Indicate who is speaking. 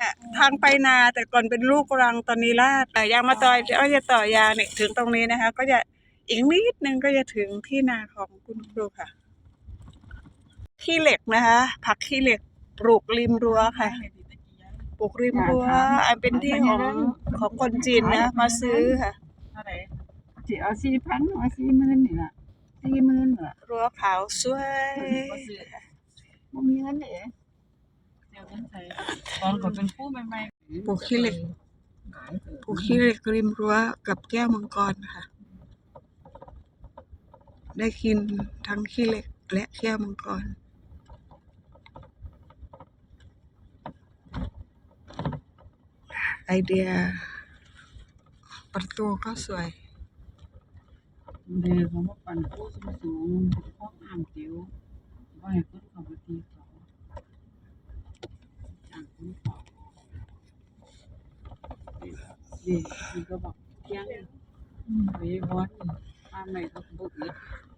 Speaker 1: ทางไปนาแต่ก่อนเป็นลูกรังตอนนี้ลาดแต่ยางมาต่อยก็จะต่อยางเนี่ยถึงตรงนี้นะคะ ก็จะอีกนิดนึงก็จะถึงที่นาของคุณครูค่ะขี้เหล็กนะคะ ผักขี้เหล็กปลูกริมรั้วค่ะปลูกริมรั้วอันเป็นที่ของคนจีนนะมาซื้อค่ะ
Speaker 2: chỉ ở xi phấn ở xi mơn nữa xi mơn nữa
Speaker 1: รั้วขาวสวย
Speaker 2: บ่มีเงินเด้ตอนก็เป็นผู้ใหม่ๆ
Speaker 1: ปลูกขี้เหล็กปลูกขี้เหล็กริมรั้วกับแก้วมังกรค่ะ ได้กินทั้งขี้เหล็กและแก้วมังกรไอเดียประตูก็สวย
Speaker 2: เดี๋ยวเขามาปั่นผู้สูงห้องอ่างเตียวว่าให้คนเขาไปตีเขาอ่างคนเขาเด็กก็บอกเที่ยงไปวันมาใหม่ก็บุก